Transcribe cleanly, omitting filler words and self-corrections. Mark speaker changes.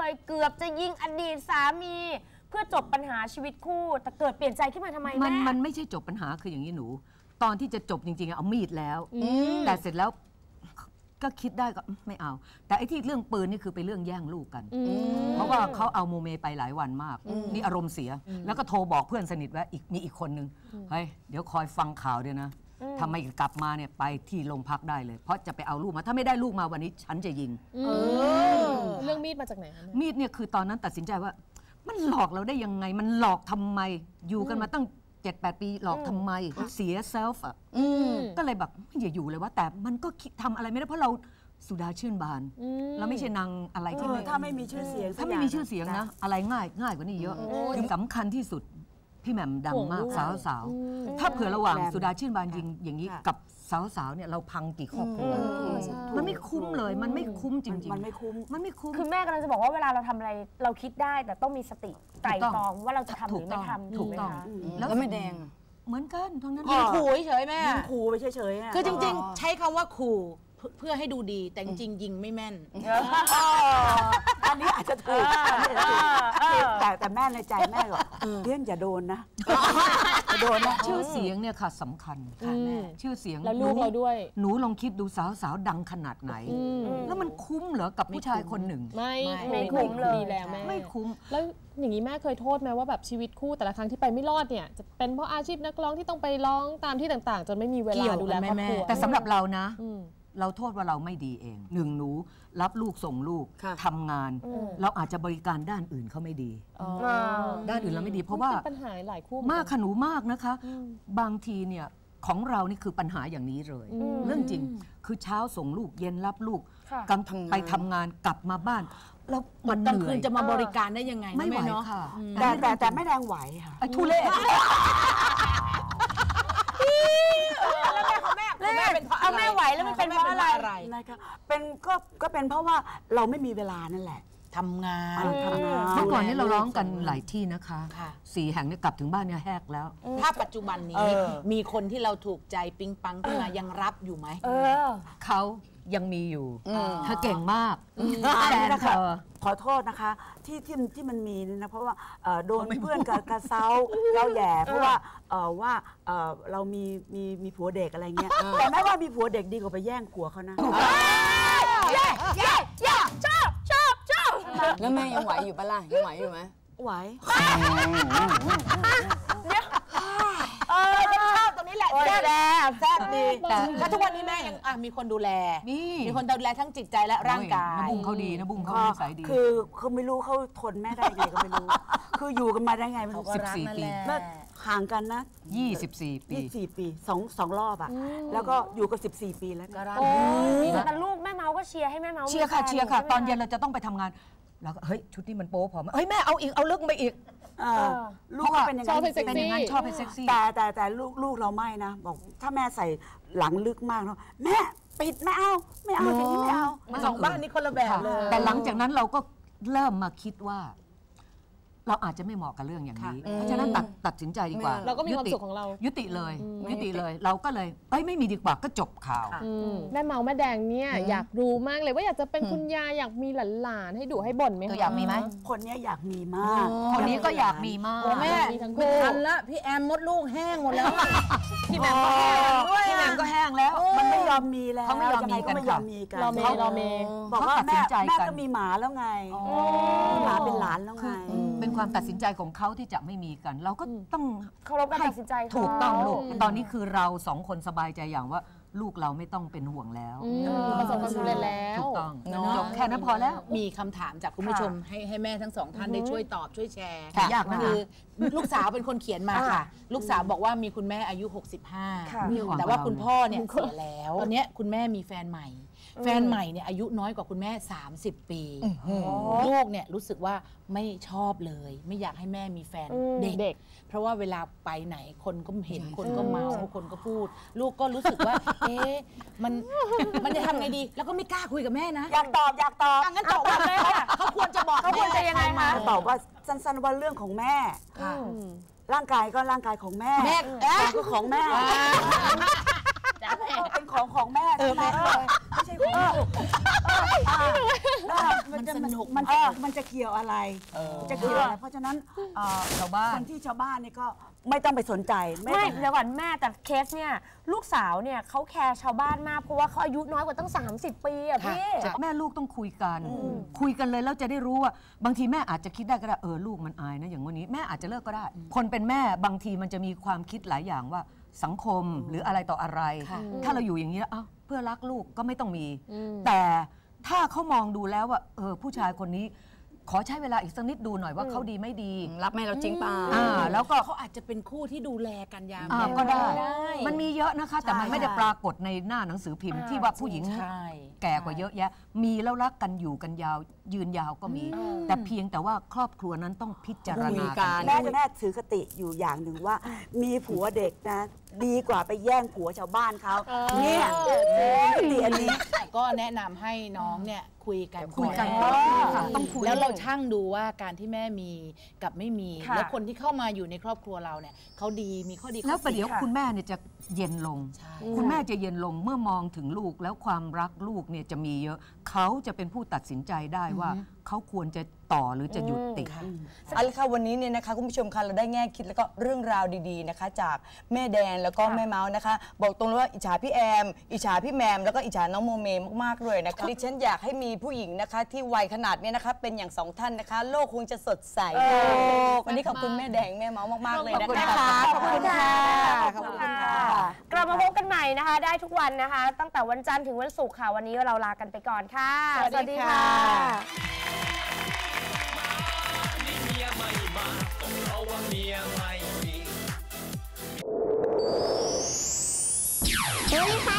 Speaker 1: ยเกือบจะยิงอดีตสามีเพื่อจบปัญหาชีวิตคู่แต่เกิดเปลี่ยนใจขึ้นมาทำไมแม่
Speaker 2: มันไม่ใช่จบปัญหาคืออย่างนี้หนูตอนที่จะจบจริงๆเอามีดแล้วแต่เสร็จแล้วก็คิดได้ก็ไม่เอาแต่ไอ้ที่เรื่องปืนนี่คือไปเรื่องแย่งลูกกันเพราะว่าเขาเอาโมเมไปหลายวันมากนี่อารมณ์เสียแล้วก็โทรบอกเพื่อนสนิทว่ามีอีกคนนึงเฮ้ยเดี๋ยวคอยฟังข่าวด้วยนะทำไมกลับมาเนี่ยไปที่โรงพักได้เลยเพราะจะไปเอาลูกมาถ้าไม่ได้ลูกมาวันนี้ฉันจะยิง
Speaker 3: เรื่องมีดมาจากไหนคะ
Speaker 2: มีดเนี่ยคือตอนนั้นตัดสินใจว่ามันหลอกเราได้ยังไงมันหลอกทำไมอยู่กันมาตั้ง7-8 ปีหลอกทำไมเสียเซลฟ์อ่ะก็เลยแบบอย่าอยู่เลยว่าแต่มันก็ทำอะไรไม่ได้เพราะเราสุดาชื่นบานเราไม่ใช่นางอะไรที่
Speaker 4: ถ้าไม่มีชื่อเสียง
Speaker 2: ถ้าไม่มีชื่อเสียงนะอะไรง่ายกว่านี้เยอะสำคัญที่สุดพี่แหม่มดังมากสาวถ้าเผื่อระหว่างสุดาชื่นบานยิงอย่างนี้กับสาวเนี่ยเราพังกี่ครอบครัวมันไม่คุ้มเลยมันไม่คุ้มจริงๆ
Speaker 4: มันไม่คุ้ม
Speaker 1: คือแม่กำลังจะบอกว่าเวลาเราทำอะไรเราคิดได้แต่ต้องมีสติไตร่ตรองว่าเราจะทำหรือไม่ทำ
Speaker 2: ถูกต้อง
Speaker 5: แล้วไม่แดง
Speaker 2: เหมือนกันทั้งนั้น
Speaker 5: ยิงขู่เฉยแม่
Speaker 4: ยิงขู่ไปเฉยๆ
Speaker 5: คือจริงๆใช้คำว่าขู่เพื่อให้ดูดีแต่จริงยิงไม่แม่น
Speaker 4: อันนี้อาจจะถูกแต่แม่ในใจแม่ก็เรื่องอย่าโดนนะโดนนะ
Speaker 2: ชื่อเสียงเนี่ยค่ะสำคัญค่ะแม่ชื่อเสียง
Speaker 3: แล้วลูกเราด้วย
Speaker 2: หนูลองคิดดูสาวดังขนาดไหนแล้วมันคุ้มเหรอกับผู้ชายคนหนึ่ง
Speaker 3: ไม่คุ้มเลยแล้วแม่
Speaker 2: ไม่คุ้ม
Speaker 3: แล้วอย่างนี้แม่เคยโทษไหมว่าแบบชีวิตคู่แต่ละครั้งที่ไปไม่รอดเนี่ยจะเป็นเพราะอาชีพนักร้องที่ต้องไปร้องตามที่ต่างๆจนไม่มีเวลาดูแลครอบครัว
Speaker 2: แต่สำหรับเรานะเราโทษว่าเราไม่ดีเองหนึ่งหนูรับลูกส่งลูกทำงานเราอาจจะบริการด้านอื่นเขาไม่ดีด้านอื่นเราไม่ดีเพราะว่า
Speaker 3: ปัญหาหลายคู่
Speaker 2: มากขนูมากนะคะบางทีเนี่ยของเรานี่คือปัญหาอย่างนี้เลยเรื่องจริงคือเช้าส่งลูกเย็นรับลูกกลางไปทำงานกลับมาบ้านแล้ว
Speaker 5: มันกลางคืนจะมาบริการได้ยังไง
Speaker 2: ไม่ไหวค่ะ
Speaker 4: แต่ไม่แรงไหวค่ะ
Speaker 2: ไอ้ทุเรศ
Speaker 1: เอาแม่ไหวแล้วมันเป็นเพราะอะไร
Speaker 4: นะคะเป็นก็เป็นเพราะว่าเราไม่มีเวลานั่นแหละ
Speaker 5: ทำงาน
Speaker 2: เมื่อก่อนนี้เราร้องกันหลายที่นะคะ4 แห่งเนี่ยกลับถึงบ้านเนี่ยแหกแล้ว
Speaker 5: ถ้าปัจจุบันนี้มีคนที่เราถูกใจปิ๊งปังขึ้นมายังรับอยู่ไหม
Speaker 2: เขายังมีอยู่เธอเก่งมาก
Speaker 4: แฟนเธอขอโทษนะคะที่มันมีนะเพราะว่าโดนเพื่อนกระเซาเราแย่เพราะว่าเรามีผัวเด็กอะไรเงี้ยแต่ไม่ว่ามีผัวเด็กดีกว่าไปแย่งผัวเขานะ
Speaker 1: ชอบ
Speaker 5: แล้วแม่ยังไหวอยู่ปะล่ะยังไหวอยู่ไหม
Speaker 4: ไหว
Speaker 5: ชอบตรงนี้แหละแซ่บดีแล้วทุกวันนี้แม่ยังมีคนดูแลมีคนดูแลทั้งจิตใจและร่างกาย
Speaker 2: นะบุ้งเขาดีนะบุ้งเขานิสัยดี
Speaker 4: คือเขาไม่รู้เขาทนแม่ได้ไงก็ไม่รู้คืออยู่กันมาได้ไงมัน
Speaker 2: 14 ปี
Speaker 4: ห่างกันนะ
Speaker 2: 24 ปี
Speaker 4: 2 รอบอ่ะแล้วก็อยู่กัน14 ปีแล้ว
Speaker 1: แต่ลูกแม่เมาก็เชียร์ให้แม่เมา
Speaker 2: เชียร์ค่ะตอนเย็นเราจะต้องไปทำงานแล้วเฮ้ยชุดนี้มันโป๊พอเฮ้ยแม่เอาอีกเอาลึกไปอีก
Speaker 4: ลูกเป็นอย่าง
Speaker 2: นั้นชอบเป็นเซ็กซี่
Speaker 4: แต่ลูกเราไม่นะบอกถ้าแม่ใส่หลังลึกมากเนาะแม่ปิดไม่เอาอย่างนี้ไม่เอา
Speaker 5: สองบ้านนี้คนละแบบเลย
Speaker 2: แต่หลังจากนั้นเราก็เริ่มมาคิดว่าเราอาจจะไม่เหมาะกับเรื่องอย่างนี้เพราะฉะนั้นตัดสินใจดีกว่า
Speaker 3: เราก็มีความสุขของเรา
Speaker 2: ยุติเลยเราก็เลยไม่มีดีกว่าก็จบข่าว
Speaker 3: แม่เมาแม่แดงเนี่ยอยากรู้มากเลยว่าอยากจะเป็นคุณยายอยากมีหลานให้ดูให้บ่นไหม
Speaker 2: อยากมีไหม
Speaker 4: คนนี้อยากมีมาก
Speaker 2: คนนี้ก็อยากมีมาก
Speaker 5: แม่ไม่ทันละพี่แอมมดลูกแห้งหมดแล้ว
Speaker 2: พี่แหม่มก็แห้งด้วยพี่แหม่มก็แห้งแล้ว
Speaker 4: มันไม่ยอมมีแล้ว
Speaker 2: เขาไม่ยอมมีกัน
Speaker 3: เราเม
Speaker 4: บอกว่าแม่ก็มีหมาแล้วไงมีหมาเป็นหลานแล้วไง
Speaker 2: เป็นความตัดสินใจของเขาที่จะไม่มีกันเราก็ต้อง
Speaker 1: เคารพการตัดสินใจ
Speaker 2: ถูกต้องลูกตอนนี้คือเรา2 คนสบายใจอย่างว่าลูกเราไม่ต้องเป็นห่วงแล้ว
Speaker 3: ประสบความสำเร็จแล้ว
Speaker 2: ถูกต้องจบแค่นั้นพอแล้ว
Speaker 5: มีคำถามจากคุณผู้ชมให้แม่ทั้ง2 ท่านได้ช่วยตอบช่วยแชร์
Speaker 2: ยากนะ
Speaker 5: คือลูกสาวเป็นคนเขียนมาค่ะลูกสาวบอกว่ามีคุณแม่อายุ65แต่ว่าคุณพ่อเนี่ยเสียแล้วตอนนี้คุณแม่มีแฟนใหม่เนี่ยอายุน้อยกว่าคุณแม่30 ปีลูกเนี่ยรู้สึกว่าไม่ชอบเลยไม่อยากให้แม่มีแฟนเด็กเพราะว่าเวลาไปไหนคนก็เห็นคนก็เมาคนก็พูดลูกก็รู้สึกว่ามันจะทำไงดีแล้วก็ไม่กล้าคุยกับแม่นะ
Speaker 4: อยากตอบ
Speaker 5: งั้นตอบว่าแม่เขาควรจะบอก
Speaker 1: เขาควรจะยังไงคะ
Speaker 4: ตอบว่าสั้นๆว่าเรื่องของแม่ร่างกายก็ร่างกายของแม่ก็ของแม่เป็นของแม่ไม่ใช่ของลูก
Speaker 5: สนุก
Speaker 4: มันจะเกี่ยวอะไรจะเกี่ยวอะไรเพราะฉะนั้น
Speaker 2: ชาวบ้าน
Speaker 4: คนที่ชาวบ้านนี่ก็ไม่ต้องไปสนใจ
Speaker 1: ไม่เดี๋ยวก่อนแม่แต่เคสเนี่ยลูกสาวเนี่ยเขาแคร์ชาวบ้านมากเพราะว่าเขาอายุน้อยกว่าตั้ง30 ปีอะพี่
Speaker 2: แม่ลูกต้องคุยกันเลยแล้วจะได้รู้ว่าบางทีแม่อาจจะคิดได้ก็ได้ลูกมันอายนะอย่างวันนี้แม่อาจจะเลิกก็ได้ คนเป็นแม่บางทีมันจะมีความคิดหลายอย่างว่าสังคมหรืออะไรต่ออะไร ถ้าเราอยู่อย่างนี้แล้วเพื่อรักลูกก็ไม่ต้องมี แต่ถ้าเขามองดูแล้วว่าผู้ชายคนนี้ขอใช้เวลาอีกสักนิดดูหน่อยว่าเขาดีไม่ดีรับแม่เราจริงป่ะแล้วก็
Speaker 5: เขาอาจจะเป็นคู่ที่ดูแลกันยาม
Speaker 2: ก็ได้มันมีเยอะนะคะแต่มันไม่ได้ปรากฏในหน้าหนังสือพิมพ์ที่ว่าผู้หญิงแก่กว่าเยอะแยะมีแล้วรักกันอยู่กันยาวยืนยาวก็มีแต่เพียงแต่ว่าครอบครัวนั้นต้องพิจารณากัน
Speaker 4: แม่ถือคติอยู่อย่างหนึ่งว่ามีผัวเด็กนะดีกว่าไปแย่งผัวชาวบ้านเขาเนี่ยคติอันนี้
Speaker 5: ก็แนะนำให้น้องเนี่ยคุยกัน
Speaker 2: ต้องคุย
Speaker 5: แล้วเราชั่งดูว่าการที่แม่มีกับไม่มีแล้วคนที่เข้ามาอยู่ในครอบครัวเราเนี่ยเขาดีมีข้อดี
Speaker 2: แล้วประเดี๋ยวคุณแม่เนี่ยจะเย็นลงคุณแม่จะเย็นลงเมื่อมองถึงลูกแล้วความรักลูกเนี่ยจะมีเยอะเขาจะเป็นผู้ตัดสินใจได้ว่าเขาควรจะต่อหรือจะหยุดติด
Speaker 6: เอาละค่ะวันนี้เนี่ยนะคะคุณผู้ชมคะเราได้แง่คิดแล้วก็เรื่องราวดีๆนะคะจากแม่แดงแล้วก็แม่เมาส์นะคะบอกตรงเลยว่าอิจฉาพี่แอมอิจฉาพี่แมมแล้วก็อิจฉาน้องโมเมมากๆเลยนะคะดิฉันอยากให้มีผู้หญิงนะคะที่วัยขนาดนี้นะคะเป็นอย่าง2ท่านนะคะโลกคงจะสดใสวันนี้ขอบคุณแม่แดงแม่เมาส์มากๆเลยนะคะ
Speaker 1: ขอบคุณค่ะขอบคุณค่ะกลับมาพบกันใหม่นะคะได้ทุกวันนะคะตั้งแต่วันจันทร์ถึงวันศุกร์ค่ะวันนี้เราลากันไปก่อนค่ะสวัสดีค่ะเฮ้ยค่ะ